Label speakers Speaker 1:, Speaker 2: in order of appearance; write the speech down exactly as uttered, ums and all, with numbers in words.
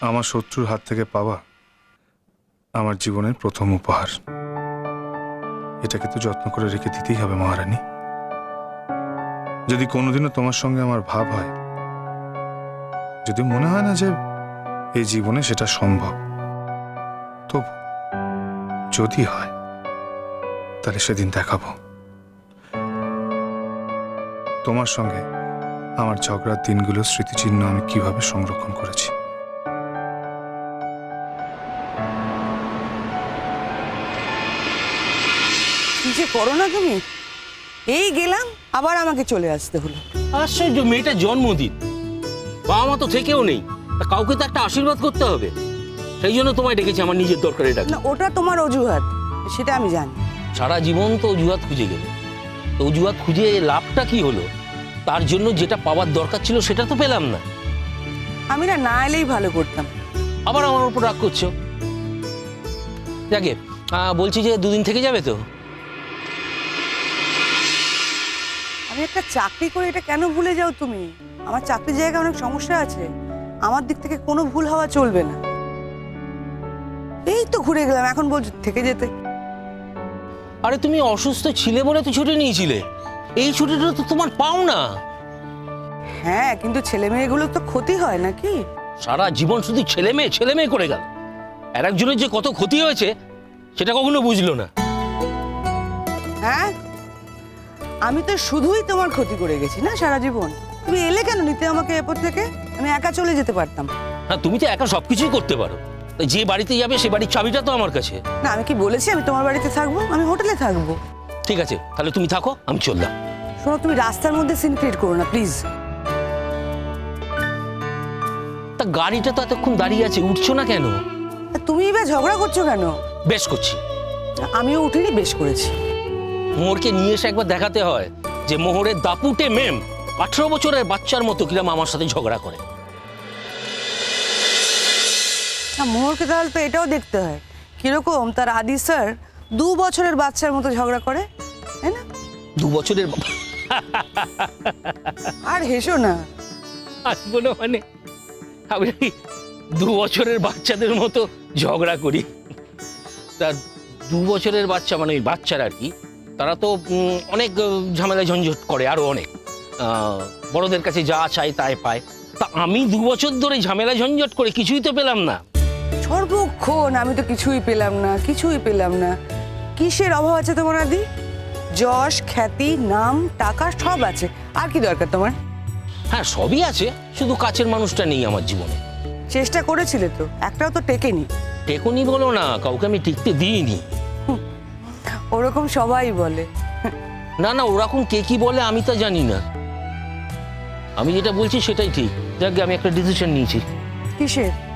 Speaker 1: আমার শত্রুর হাত থেকে পাওয়া আমার জীবনের প্রথম উপহার। এটাকে তো যত্ন করে রেখে দিতেই হবে মহারানী। যদি কোনোদিনও তোমার সঙ্গে আমার ভাব হয়, যদি মনে হয় না যে এই জীবনে সেটা সম্ভব, তবু যদি হয় তাহলে সেদিন দেখাবো তোমার সঙ্গে আমার ঝগড়ার দিনগুলোর স্মৃতিচিহ্ন আমি কিভাবে সংরক্ষণ করেছি।
Speaker 2: কি যে করো না তুমি, এই গেলাম আবার আমাকে চলে আসতে হলো।
Speaker 3: আশ্চর্য, মেয়েটা জন্মদিন, বাবা মা তো থেকেও নেই, তা কাউকে তো একটা আশীর্বাদ করতে হবে। সেই জন্য তোমায় ডেকেছি, আমার নিজের দরকারে ডাকি।
Speaker 2: না, ওটা তোমার অজুহাত, সেটা আমি জানি।
Speaker 3: সারা জীবন তো অজুহাত খুঁজে গেলে, তো অজুহাত খুঁজে লাভটা কি হলো? তার জন্য যেটা পাওয়ার দরকার ছিল সেটা তো পেলাম না।
Speaker 2: আমি না না এলেই ভালো করতাম।
Speaker 3: আবার আমার উপর রাগ করছো। যাকে বলছি যে দুদিন থেকে যাবে তো?
Speaker 2: আমি একটা চাকরি করে এটা কেন ভুলে যাও তুমি? আমার চাকরির জায়গায় অনেক সমস্যা আছে, আমার দিক থেকে কোনো ভুল হওয়া চলবে না। এই তো ঘুরে গেলাম, এখন বলছো থেকে যেতে।
Speaker 3: আরে তুমি অসুস্থ ছিলে বলে তো ছুটি নিয়েছিলে, এই ছুটিটা তো তোমার পাও না।
Speaker 2: হ্যাঁ, কিন্তু ছেলে মেয়েগুলো তো ক্ষতি হয় নাকি?
Speaker 3: সারা জীবন শুধু ছেলে মেয়ে ছেলে মেয়ে করে গেল, আর একজনের যে কত ক্ষতি হয়েছে সেটা কখনো বুঝলো না।
Speaker 2: হ্যাঁ, আমি তো শুধুই তোমার ক্ষতি করে গেছি না সারা জীবন। তুমি এলে কেন নিতে আমাকে এরপর থেকে? আমি একা চলে যেতে পারতাম।
Speaker 3: হ্যাঁ, তুমি তো একা সবকিছুই করতে পারো, যে বাড়িতে যাবে সে বাড়ির চাবিটা তো আমার কাছে।
Speaker 2: না, আমি কি বলেছি আমি তোমার বাড়িতে থাকবো? আমি হোটেলে থাকবো।
Speaker 3: ঠিক আছে, তাহলে তুমি থাকো, আমি চললাম।
Speaker 2: শোনো, তুমি রাস্তার মধ্যে সিন ক্রিয়েট করো না প্লিজ।
Speaker 3: তা গাড়িটা তো এতক্ষণ দাঁড়িয়ে আছে, উঠছো না কেন?
Speaker 2: তুমি এবার ঝগড়া করছো কেন?
Speaker 3: বেশ করছি।
Speaker 2: আমিও উঠিনি, বেশ করেছি।
Speaker 3: মোহরকে নিয়ে এসে একবার দেখাতে হয় যে মোহরের দাপুটে মেম আঠারো বছরের বাচ্চার মতো কিরম আমার সাথে ঝগড়া করে।
Speaker 2: না, মোহরকে তাহলে তো এটাও দেখতে হয় কিরকম তার আদি স্যার দু বছরের বাচ্চার মতো ঝগড়া করে, তাই না?
Speaker 3: দু বছরের
Speaker 2: আর হেসো না।
Speaker 3: আসবো না মানে আমি দু বছরের বাচ্চাদের মতো ঝগড়া করি? তা দু বছরের বাচ্চা মানে ওই বাচ্চারা আর কি, তারা তো অনেক ঝামেলা ঝঞ্ঝট করে, আরো অনেক বড়দের কাছে যা চাই তাই পায়। তা আমি দু বছর ধরে ঝামেলা ঝঞ্ঝট করে কিছুই তো পেলাম না।
Speaker 2: সর্বক্ষণ আমি তো কিছুই পেলাম না, কিছুই পেলাম না। কিসের অভাব আছে তোমার আদি? যশ, খ্যাতি, নাম, টাকা সব আছে, আর কি দরকার তোমার?
Speaker 3: হ্যাঁ, সবই আছে, শুধু কাছের মানুষটা নেই আমার জীবনে।
Speaker 2: চেষ্টা করেছিলে তো, একটাও তো টেকেনি।
Speaker 3: টেকনি বলো না, কাউকে আমি টিকতে দিইনি।
Speaker 2: ওরকম সবাই বলে।
Speaker 3: না না, ওরকম কে কি বলে আমি তা জানি না, আমি যেটা বলছি সেটাই ঠিক। যাক, আমি একটা ডিসিশন নিয়েছি।
Speaker 2: কিসের?